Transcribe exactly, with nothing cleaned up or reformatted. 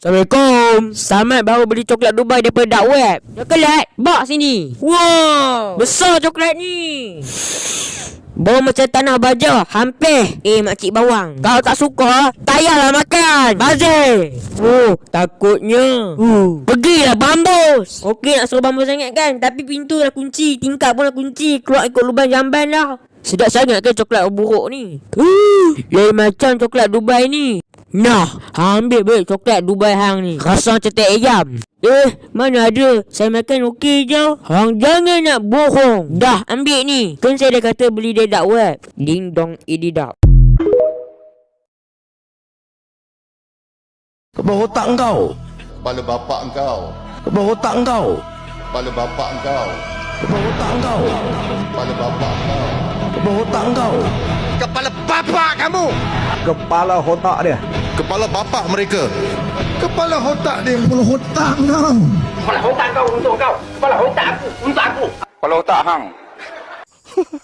Assalamualaikum. Samad baru beli coklat Dubai daripada dark web. Coklat, bawa sini. Wow, besar coklat ni. Bau macam tanah baja. Hampir. Eh makcik bawang, kau tak suka, tak payahlah makan. Bazir. Oh, takutnya. Uh. Pergilah bambus. Okey nak suruh bambus sangat kan, tapi pintu dah kunci, tingkap pun dah kunci. Keluar ikut lubang jamban dah. Sedap sangat ke coklat buruk ni? Uh, lain macam coklat Dubai ni. Nah, ambil balik coklat Dubai hang ni. Rasa macam teh ayam. Eh, mana ada. Saya makan okey je. Hang jangan nak bohong. Dah, ambil ni. Kan saya dah kata beli dari dark web. Ding dong ididap. Kepala otak engkau. Kepala bapak engkau. Kepala otak engkau. Kepala bapak engkau. Kepala otak engkau. Kepala bapak engkau. Kepala otak engkau. Kepala bapak kamu. Kepala otak dia. Kepala bapak mereka. Kepala otak dia. Kepala otak kau. Kepala otak kau untuk kau. Kepala otak aku untuk aku. Kepala otak hang.